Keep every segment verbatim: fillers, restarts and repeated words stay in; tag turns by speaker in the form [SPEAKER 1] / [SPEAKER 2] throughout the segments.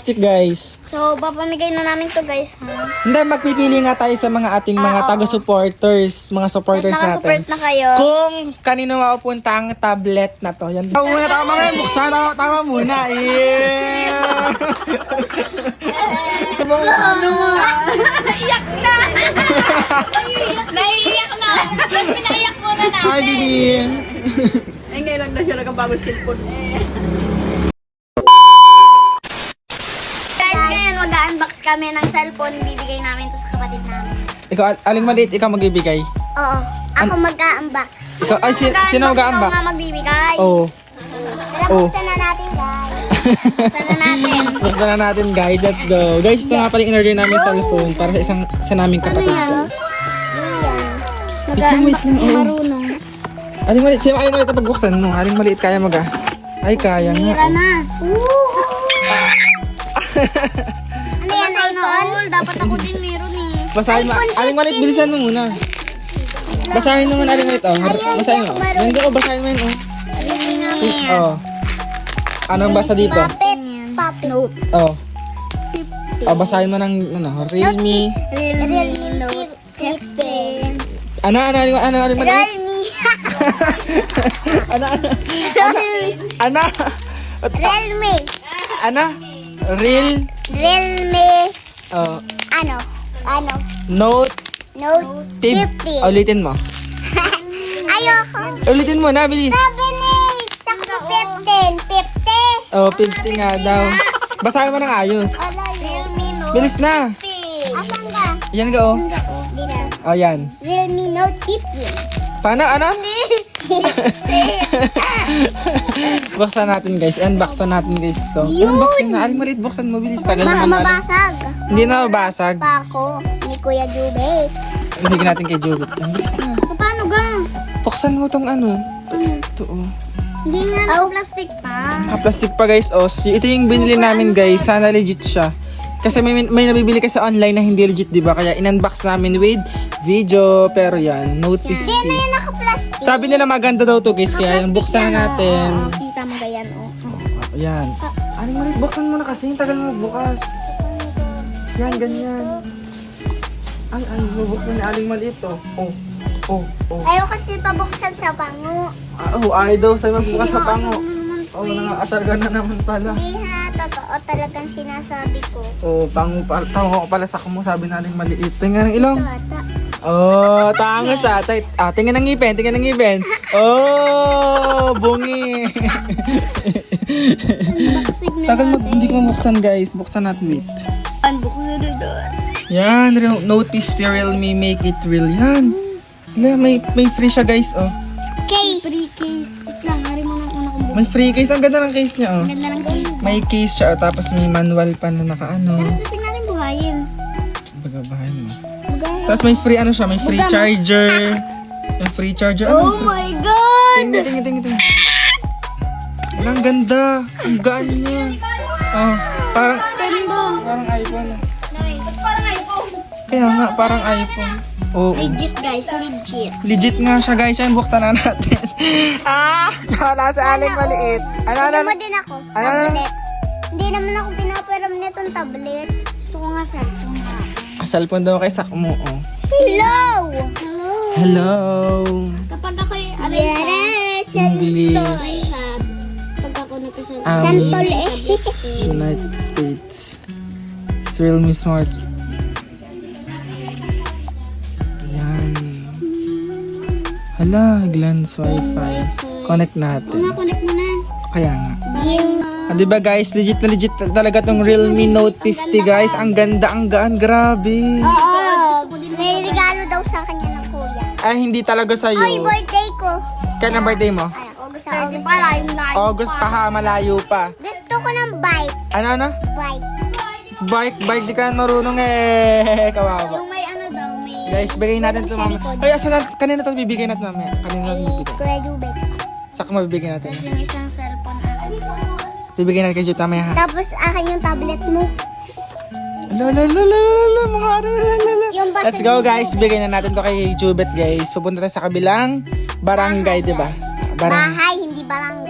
[SPEAKER 1] plastic, guys.
[SPEAKER 2] So, papamigay na namin to guys, ha?
[SPEAKER 1] Hindi, magpipili nga tayo sa mga ating mga
[SPEAKER 2] Ah, oo.
[SPEAKER 1] taga-supporters, mga supporters
[SPEAKER 2] Kahit nakasupport
[SPEAKER 1] natin.
[SPEAKER 2] na kayo.
[SPEAKER 1] Kung kanino mapupunta ang tablet na to. Yan. Tama muna, tama muna. Buksan, tama, tama muna. Yeah!
[SPEAKER 2] Naiyak na! Naiiyak na! Pinaiyak mo na natin.
[SPEAKER 1] Hi, Bibin.
[SPEAKER 3] Ay, ngayon lang na siya nagkabago cellphone.
[SPEAKER 2] Guys, ngayon mag-unbox kami ng cellphone. Bibigay namin to sa kapatid namin.
[SPEAKER 1] Ikaw, aling maliit, ikaw mag-ibigay.
[SPEAKER 2] Oo. Ako mag-unbox.
[SPEAKER 1] Ikaw, ay, si, sino mag-aambak?
[SPEAKER 2] Ikaw nga magbibigay.
[SPEAKER 1] Oo.
[SPEAKER 2] Tara,
[SPEAKER 1] Oh.
[SPEAKER 2] buksan na natin, guys. Buksan na natin.
[SPEAKER 1] Buksan na natin, guys. Let's go. Guys, ito nga pala yung in-order namin cellphone para sa isang sa naming kapatid, guys.
[SPEAKER 2] Iyan.
[SPEAKER 1] Wait lang, wait lang. Oo.
[SPEAKER 2] Marunong.
[SPEAKER 1] Aling maliit, sino aling maliit na pagbuksan mo? Aling maliit, kaya mag ah. Ay, kaya nga.
[SPEAKER 2] Tira
[SPEAKER 1] Oh.
[SPEAKER 2] na. Ano yan, iPhone? Dapat ako din meron eh.
[SPEAKER 1] Basahin mo.
[SPEAKER 2] iPhone
[SPEAKER 1] Aling maliit, bilisan mo muna. Basahin naman, aling maliit. Oh, basahin mo. Yan ko, basahin mo yun. Oh. Oh. Anong basa dito?
[SPEAKER 2] Puppet. Puppet. Note.
[SPEAKER 1] Oh. Oh, basahin mo ng, ano, Realme.
[SPEAKER 2] Realme Note fifteen.
[SPEAKER 1] Ano, ano, ano, ano, aling maliit?
[SPEAKER 2] Realme.
[SPEAKER 1] Ano, ano,
[SPEAKER 2] Realme.
[SPEAKER 1] ano,
[SPEAKER 2] Realme.
[SPEAKER 1] ano, Real,
[SPEAKER 2] Realme.
[SPEAKER 1] oh,
[SPEAKER 2] Ano? Ano?
[SPEAKER 1] Note
[SPEAKER 2] Note
[SPEAKER 1] fifteen.
[SPEAKER 2] fifteen.
[SPEAKER 1] Ulitin mo.
[SPEAKER 2] Ayoko.
[SPEAKER 1] Ulitin mo na, bilis.
[SPEAKER 2] Sabi ni Sakto fifteen. fifteen.
[SPEAKER 1] Oh, fifty nga daw. Basahin mo ng ayos.
[SPEAKER 2] Realme Note
[SPEAKER 1] Bilis na.
[SPEAKER 2] fifteen. Asan ka?
[SPEAKER 1] Yan ka, oh.
[SPEAKER 2] Di na.
[SPEAKER 1] Oh, yan.
[SPEAKER 2] Realme Note fifteen.
[SPEAKER 1] Paano, ano? Buksan natin, guys. Unboxan natin, guys, to. Unboxan na. Aling maliit, buksan mo. Bilis. Tagal
[SPEAKER 2] Ma
[SPEAKER 1] naman. aling.
[SPEAKER 2] mabasag.
[SPEAKER 1] Hindi na mabasag.
[SPEAKER 2] Pa ako ni Kuya Jubet.
[SPEAKER 1] Ibigin natin kay Jubit. Ang bilis na.
[SPEAKER 2] Paano ga?
[SPEAKER 1] Buksan mo tong ano. Ito, oh.
[SPEAKER 2] Hindi nga oh. plastic pa.
[SPEAKER 1] Naka-plastic pa, guys. Oh, so, ito yung binili namin, guys. Sana legit siya. Kasi may, may nabibili kasi online na hindi legit, di ba? Kaya in-unbox namin with video. Pero yan, Note
[SPEAKER 2] Hindi
[SPEAKER 1] fifty.
[SPEAKER 2] na yan naka-plastic.
[SPEAKER 1] Sabi nila maganda daw to, guys. Kaya yung buksan na natin.
[SPEAKER 2] Oo, kita mo ganyan, oh.
[SPEAKER 1] Ayan. Aling maliit, buksan mo na kasi. Tagal mo bukas. Yan, ganyan. Ay, ay, bubuksan ni Aling maliit, oh. Oh, oh, oh.
[SPEAKER 2] Ayaw kasi pabuksan sa bango.
[SPEAKER 1] Ah, oh, ay daw sa'yo magbukas sa pango. Oh, nangangatarga na naman pala.
[SPEAKER 2] Hindi ha, totoo talagang sinasabi ko.
[SPEAKER 1] Oh, pango pa. Tango ko pala sa mo, sabi na Aling maliit. Tingnan ng ilong.
[SPEAKER 2] Ito ata.
[SPEAKER 1] Oh, tangos ah. Tay- Ah, tingnan ng ngipin, tingnan ng ngipin. Oh, bungi.
[SPEAKER 2] Unboxing na
[SPEAKER 1] Tagal mo, hindi ko mabuksan, guys. Buksan natin, wait.
[SPEAKER 2] Unbox na doon.
[SPEAKER 1] Yan, Real- Note fifty Realme, make it real. Yan. Wala, may, may free siya, guys, oh.
[SPEAKER 2] Case. Free case. Wait lang, hari mo ng una kong bukas.
[SPEAKER 1] May free case. Ang ganda ng case niya, oh.
[SPEAKER 2] Ganda ng case.
[SPEAKER 1] May case siya, oh, tapos may manual pa na nakaano.
[SPEAKER 2] Kasi natin buhayin.
[SPEAKER 1] Bagabahan mo.
[SPEAKER 2] Buhayin.
[SPEAKER 1] Tapos may free ano siya, may free
[SPEAKER 2] Buga mo.
[SPEAKER 1] charger. May free charger. Ano?
[SPEAKER 2] Oh my God!
[SPEAKER 1] Tingin, tingin, tingin, tingin. Wala, ang ganda. Ang gaan niya. Oh, parang,
[SPEAKER 2] Ganda.
[SPEAKER 1] parang iPhone.
[SPEAKER 2] Ba't parang iPhone?
[SPEAKER 1] Kaya nga, parang iPhone. Oo.
[SPEAKER 2] Legit guys, legit.
[SPEAKER 1] Legit nga siya, guys. Yan, buksan na natin. ah! Wala sa aling maliit. Ano, ano,
[SPEAKER 2] Bigyan
[SPEAKER 1] ano?
[SPEAKER 2] mo din ako.
[SPEAKER 1] Ano, ano?
[SPEAKER 2] Tablet. Hindi naman ako pinaparam nitong tablet. Gusto ko nga cellphone na.
[SPEAKER 1] Ah, cellphone daw kay Sakmo, oh.
[SPEAKER 2] Hello! Hello!
[SPEAKER 1] Hello!
[SPEAKER 2] Kapag ako'y alay yes,
[SPEAKER 1] English.
[SPEAKER 2] iPad. Pag ako nagkasalita.
[SPEAKER 1] Um,
[SPEAKER 2] Santol eh.
[SPEAKER 1] United States. It's Realme Smart. Yan. Hala, glance wifi. Connect natin.
[SPEAKER 2] Connect mo na.
[SPEAKER 1] Kaya nga.
[SPEAKER 2] Yung...
[SPEAKER 1] Ah, diba guys, legit na legit talaga tong Realme Note fifty, guys. Ang ganda, ang gaan. Grabe.
[SPEAKER 2] Oo. May regalo daw sa kanya ng kuya.
[SPEAKER 1] Ay, hindi talaga
[SPEAKER 2] Ay,
[SPEAKER 1] sa'yo.
[SPEAKER 2] birthday ko.
[SPEAKER 1] Kailan birthday mo?
[SPEAKER 2] Ay, August na August. Para yung live.
[SPEAKER 1] August pa ha, malayo pa.
[SPEAKER 2] Gusto ko ng bike.
[SPEAKER 1] Ano, ano?
[SPEAKER 2] Bike.
[SPEAKER 1] Bike, bike, di ka na marunong eh. Kawawa.
[SPEAKER 2] Yung may ano daw, may...
[SPEAKER 1] Guys, bigay natin ito mamaya. Ay, asan na, kanina ito bibigay natin mamaya. Kanina ito
[SPEAKER 2] Ay,
[SPEAKER 1] bibigay.
[SPEAKER 2] Kuya Jubet.
[SPEAKER 1] Saka mabibigay natin.
[SPEAKER 2] Tapos yung isang cellphone akin.
[SPEAKER 1] Bibigay natin kay Jut mamaya ha.
[SPEAKER 2] Tapos akin yung tablet mo.
[SPEAKER 1] La la la la la, mga ara, la la la.
[SPEAKER 2] Yung basa-
[SPEAKER 1] Let's go guys, bigay na natin to kay Jubet guys. Pupunta tayo sa kabilang barangay, di ba? Barang
[SPEAKER 2] Bahay, hindi barangay.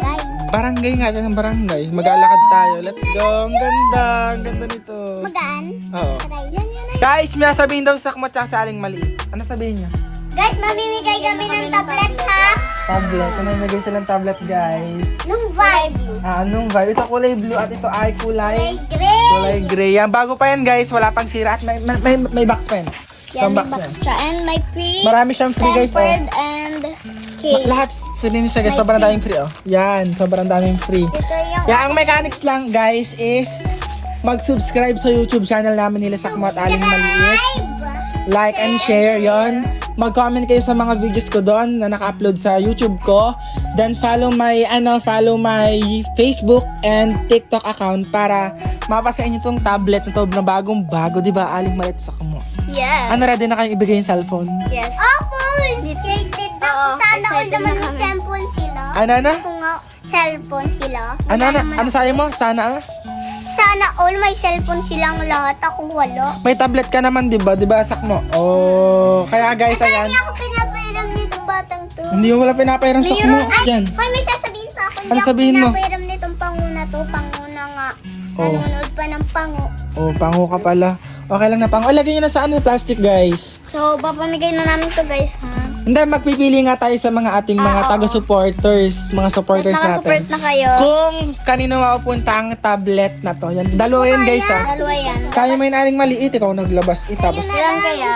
[SPEAKER 1] Barangay nga, sa barangay. Maglalakad tayo. Let's go. Ang ganda. Ang ganda nito.
[SPEAKER 2] Magaan.
[SPEAKER 1] Oo.
[SPEAKER 2] Try. Yan, yan, yan.
[SPEAKER 1] Guys, may sabihin daw sa Sakmo at sa Aling Maliit. Ano sabihin niya?
[SPEAKER 2] Guys, mamimigay kami ng tablet, ha?
[SPEAKER 1] Tablet. Ano nagay silang tablet, guys?
[SPEAKER 2] Nung vibe.
[SPEAKER 1] Ah, anong vibe? Ito kulay blue at ito ay kulay
[SPEAKER 2] Kulay gray.
[SPEAKER 1] kulay gray. Yan, bago pa yan, guys. Wala pang sira at may, may, may box pa yan.
[SPEAKER 2] Yan,
[SPEAKER 1] Yung
[SPEAKER 2] may
[SPEAKER 1] box
[SPEAKER 2] box
[SPEAKER 1] yan.
[SPEAKER 2] siya. And may free
[SPEAKER 1] Marami siyang free, guys. Oh.
[SPEAKER 2] tempered and cake.
[SPEAKER 1] Lahat free din siya, guys. Sobrang daming free, oh. Yan, sobrang daming free.
[SPEAKER 2] Ito yung
[SPEAKER 1] Yan, ang mechanics lang, guys, is mag-subscribe sa YouTube channel namin nila Sakmo at Aling Maliit.
[SPEAKER 2] subscribe.
[SPEAKER 1] Like and share, yon. Mag-comment kayo sa mga videos ko doon na naka-upload sa YouTube ko. Then follow my ano, follow my Facebook and TikTok account para mapasa inyo tong tablet na to na bagong bago, 'di ba? Aling Maliit Sakmo.
[SPEAKER 2] Yes.
[SPEAKER 1] Ano, ready na kayo ibigay yung cellphone?
[SPEAKER 2] Yes. Opo! Excited na ako. Sana all naman yung cellphone sila.
[SPEAKER 1] Ano na?
[SPEAKER 2] Kung nga cellphone sila.
[SPEAKER 1] Ano
[SPEAKER 2] Wala
[SPEAKER 1] na?
[SPEAKER 2] naman
[SPEAKER 1] Ano sabi mo? Sana ano?
[SPEAKER 2] Sana all may cellphone silang lahat. Ako wala.
[SPEAKER 1] May tablet ka naman, 'di ba? 'Di ba, Sakmo? Oh, kaya guys, ayan.
[SPEAKER 2] Hindi ako pinapairam nitong batang to.
[SPEAKER 1] Hindi mo wala pinapairam Sakmo
[SPEAKER 2] Ay,
[SPEAKER 1] diyan.
[SPEAKER 2] Hoy, may sasabihin pa ako. Hindi
[SPEAKER 1] Ano
[SPEAKER 2] ako
[SPEAKER 1] sabihin mo?
[SPEAKER 2] pinapairam nitong panguna to. Panguna nga.
[SPEAKER 1] Oh.
[SPEAKER 2] Nanonood pa ng pango.
[SPEAKER 1] Oh, pango ka pala. Okay lang na pango. Oh, lagay nyo na sa ano, plastic, guys.
[SPEAKER 2] So, papamigay na namin to guys, ha?
[SPEAKER 1] Hindi, magpipili nga tayo sa mga ating mga
[SPEAKER 2] Ah, oo.
[SPEAKER 1] taga-supporters, mga supporters
[SPEAKER 2] Nakasupport
[SPEAKER 1] natin.
[SPEAKER 2] na kayo.
[SPEAKER 1] Kung kanino mapupunta ang tablet na to. Yan, dalawa yan, guys, ha.
[SPEAKER 2] Dalawa yan.
[SPEAKER 1] Kaya mo yung aling maliit, ikaw naglabas. Eh, tapos,
[SPEAKER 2] Ilan kaya?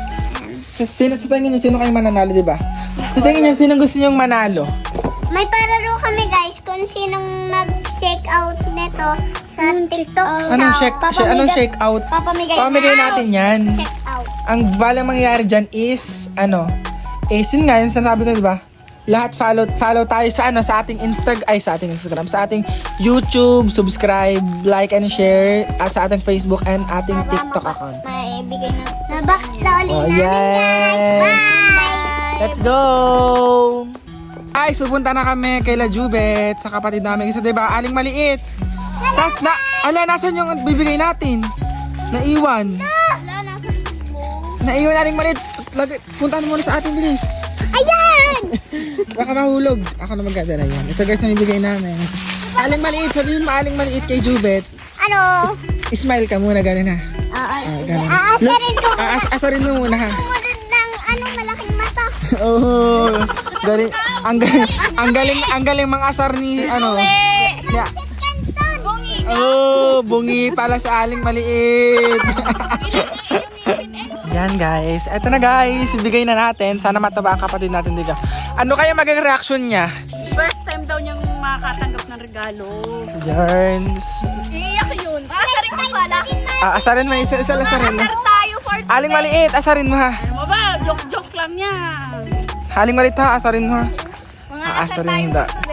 [SPEAKER 1] sa, sino, sa tingin nyo, sino kayo mananalo, di ba? Sa tingin nyo, sino gusto nyo manalo?
[SPEAKER 2] May pararo kami guys kung sinong mag-check out nito sa TikTok shop.
[SPEAKER 1] Anong shake, shake, anong shake out?
[SPEAKER 2] Papamigay,
[SPEAKER 1] Pamigay
[SPEAKER 2] out.
[SPEAKER 1] natin yan.
[SPEAKER 2] Check out.
[SPEAKER 1] Ang balang mangyayari dyan is, ano, eh, sin nga, yun sinasabi ko, di ba? Lahat follow, follow tayo sa, ano, sa ating Instagram, ay, sa ating Instagram, sa ating YouTube, subscribe, like, and share, at sa ating Facebook, and ating
[SPEAKER 2] Para
[SPEAKER 1] TikTok
[SPEAKER 2] maka-
[SPEAKER 1] account.
[SPEAKER 2] Maibigay na. Na-box na ulit
[SPEAKER 1] Oh,
[SPEAKER 2] namin
[SPEAKER 1] yes.
[SPEAKER 2] guys. Bye!
[SPEAKER 1] Let's go! Ay, supunta na kami kay La Jubet sa kapatid namin. Kasi diba, aling maliit. Tas, na, ala, nasan yung bibigay natin? Naiwan.
[SPEAKER 2] Wala, nasa
[SPEAKER 1] Naiwan aling maliit. Lagi, puntahan muna sa ating bilis.
[SPEAKER 2] Ayan!
[SPEAKER 1] Baka mahulog. Ako na magkadala yan. Ito guys, na bibigay namin. Aling maliit, sabihin mo aling maliit kay Jubet.
[SPEAKER 2] Ano?
[SPEAKER 1] Smile ka muna, gano'n ha.
[SPEAKER 2] Ah,
[SPEAKER 1] Ah, ganun.
[SPEAKER 2] Aasarin ko.
[SPEAKER 1] Aas asarin mo muna ha.
[SPEAKER 2] Sumunod ng ano, malaking mata.
[SPEAKER 1] Oh, galing, ang galing, ang galing, ang galing mga asar ni ano. Yeah. Oh, bungi pala sa aling maliit. Yan guys, eto na guys, bibigay na natin. Sana mataba ang kapatid natin dito. Ano kaya maging reaction niya?
[SPEAKER 3] First time daw niyang makakatanggap ng regalo.
[SPEAKER 1] Yarns.
[SPEAKER 3] Iiyak yun. Aasarin ko pala.
[SPEAKER 1] Ah, asarin mo, isa, isa lang asarin mo.
[SPEAKER 3] Asar tayo for
[SPEAKER 1] Aling maliit, asarin mo ha.
[SPEAKER 3] Ano mo ba? Joke-joke lang yan.
[SPEAKER 1] Aling maliit ha, asarin mo ha.
[SPEAKER 3] Mga
[SPEAKER 1] Ah,
[SPEAKER 3] asar
[SPEAKER 1] asarin
[SPEAKER 3] tayo
[SPEAKER 1] hindi.
[SPEAKER 3] for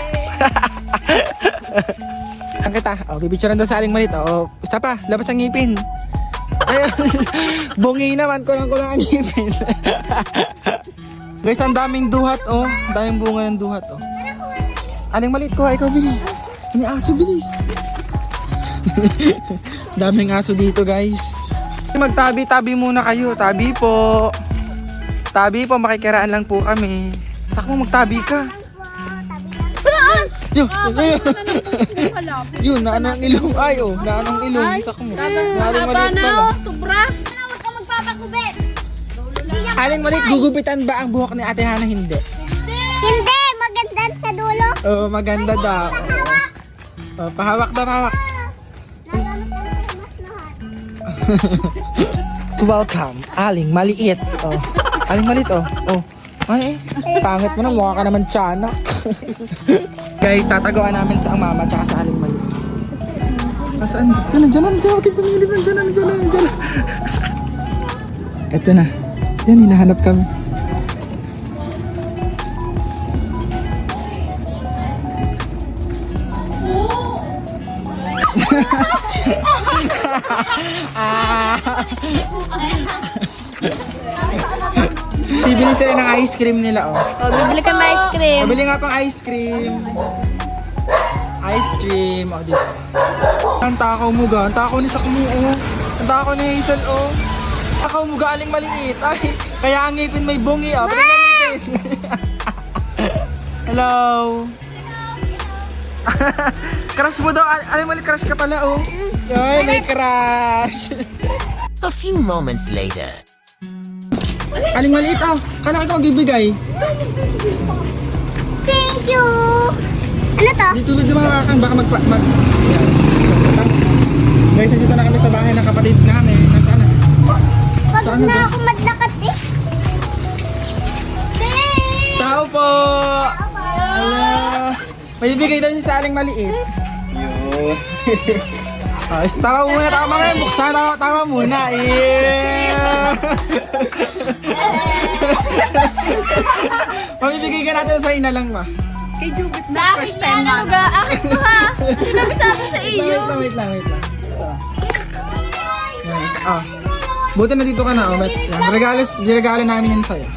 [SPEAKER 1] Ang kita. Oh, pipicturean daw sa aling maliit. Oh, isa pa, labas ang ngipin. Ayun. Bungi naman, kulang-kulang ang ngipin. Guys, ang daming duhat, oh. Ang daming bunga ng duhat, oh. Aling maliit ko, ikaw bilis. May aso, bilis. Daming aso dito, guys. Magtabi-tabi muna kayo. Tabi po. Tabi po, makikiraan lang po kami. Saka mo magtabi ka. Yun, yun, yun, na anong ilong, ay oh, na anong ilong, sak mo. Aling
[SPEAKER 3] Haba
[SPEAKER 1] maliit
[SPEAKER 3] na
[SPEAKER 1] pala.
[SPEAKER 3] oh, sobra.
[SPEAKER 2] Huwag ka magpapakubit.
[SPEAKER 1] Aling maliit, gugupitan ba ang buhok ni Ate Hana? Hindi.
[SPEAKER 2] Hindi, maganda sa dulo.
[SPEAKER 1] Oo, maganda daw.
[SPEAKER 2] Hawak.
[SPEAKER 1] Oh, pahawak daw, pahawak.
[SPEAKER 2] Nagamit ka na sa masnahan.
[SPEAKER 1] Welcome, Aling Maliit. Oh, Aling Maliit, oh. Oh. Ay, eh, pangit mo na, mukha ka naman tiyanak. Guys, tatagawa namin sa ang mama tsaka sa Aling Maliit. Saan? Diyan na, diyan na, diyan na, huwag tumilip na, diyan na, diyan na, diyan na. Eto na. Yan, hinahanap kami. Ah. Bibili sila ng ice cream nila, oh.
[SPEAKER 3] Oh, bibili kami ice cream.
[SPEAKER 1] Pabili nga pang ice cream. Ice cream, oh, dito. Ang takaw mo ga, ang takaw ni Sakmo, oh. Ang takaw ni Hazel, oh. Takaw mo galing maliit. Ay, kaya ang ngipin may bungi, oh. Pero ang ngipin. Hello. Crush mo daw. Al- Aling Maliit, crush ka pala, oh. Ay, may crush.
[SPEAKER 4] A few moments later.
[SPEAKER 1] Aling Maliit, oh. Kala ko ikaw magbibigay.
[SPEAKER 2] Thank you! Ano to?
[SPEAKER 1] Dito ba dumawakan? Baka magpa... Mag... Yan. Guys, nandito na kami sa bahay ng kapatid namin. Nasaan na?
[SPEAKER 2] Pag
[SPEAKER 1] Saan na
[SPEAKER 2] na
[SPEAKER 1] ba?
[SPEAKER 2] ako madlakat eh. Thanks!
[SPEAKER 1] Tao po! Hello! May bibigay daw niya sa Aling Maliit.
[SPEAKER 5] Yun.
[SPEAKER 1] Oh, is tama muna, tama nga. Buksan, tama, tama muna. Yeah! Mamibigay ka natin sa ina lang, ma.
[SPEAKER 3] Kay Jubit sa first time na. Sa akin to ha. Sinabi sa akin sa iyo.
[SPEAKER 1] Wait lang, wait lang, wait lang. Ito. Yan. Oh. Buti na dito ka na, oh. Wait lang. Regalo, regalo namin yan sa'yo.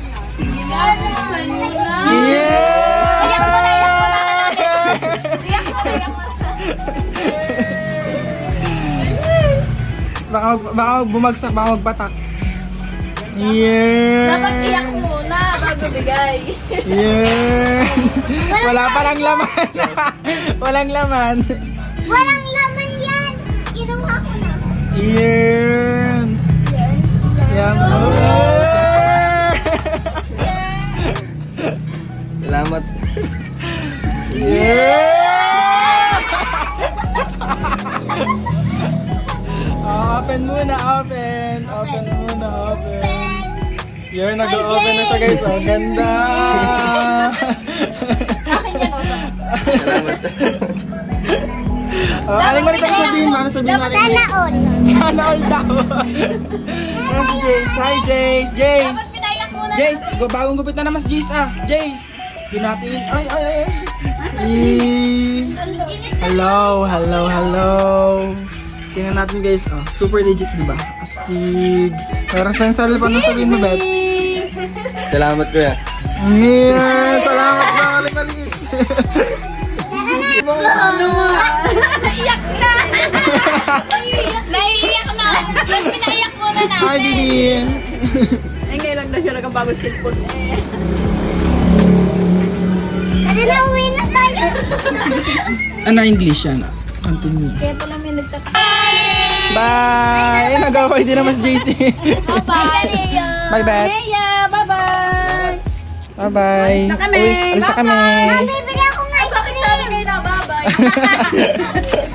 [SPEAKER 1] Yeah!
[SPEAKER 3] Iyak mo na, iyak mo na. Iyak mo na, iyak mo na.
[SPEAKER 1] Baka, mag- baka bumagsak, baka magpatak. Yeah!
[SPEAKER 3] Dapat iyak muna bago bigay.
[SPEAKER 1] Yeah! Wala palang laman. Walang laman.
[SPEAKER 2] Walang laman yan! Inuha ko na.
[SPEAKER 1] Yes! Yes!
[SPEAKER 5] Salamat.
[SPEAKER 1] Yeah! Open muna, open. Open muna, open. Yun, nag-open na siya guys. Oh, ganda!
[SPEAKER 3] Akin yan, Oto.
[SPEAKER 5] Salamat.
[SPEAKER 1] Oh, aling mo rin sabihin, ano sabihin mo? Aling
[SPEAKER 2] Sana all.
[SPEAKER 1] Sana all daw. Yes, Jace. Hi, Jace. Jace.
[SPEAKER 3] Dapat pinayak muna.
[SPEAKER 1] Jace, bagong gupit na naman si Jace ah. Jace. Di natin. Ay, ay, ay. Eh. Hello, hello, hello. Tingnan natin guys. Oh, super legit, di ba? Astig. Meron siyang cellphone. Ano sabihin mo, Beth?
[SPEAKER 5] Salamat kuya.
[SPEAKER 1] Yeah, salamat na. Aling maliit.
[SPEAKER 3] Iyak na. Naiiyak na. Mas pinaiyak muna natin.
[SPEAKER 1] Hi, Bibin.
[SPEAKER 3] Ay, ngayon lang na siya nagkabagong cellphone eh.
[SPEAKER 2] Tara na, uwi na tayo.
[SPEAKER 1] Ano English yan? Continue.
[SPEAKER 3] Kaya pala may nagtaka.
[SPEAKER 1] Bye! Eh, nag-away din naman si J C.
[SPEAKER 3] Bye-bye.
[SPEAKER 1] Bye, Beth.
[SPEAKER 3] Leia, bye-bye.
[SPEAKER 1] Bye-bye.
[SPEAKER 3] Alis na kami.
[SPEAKER 1] Alis, alis na kami.
[SPEAKER 2] Bibili ako ng ice
[SPEAKER 3] Bakit sabi
[SPEAKER 2] cream.
[SPEAKER 3] kayo na bye-bye?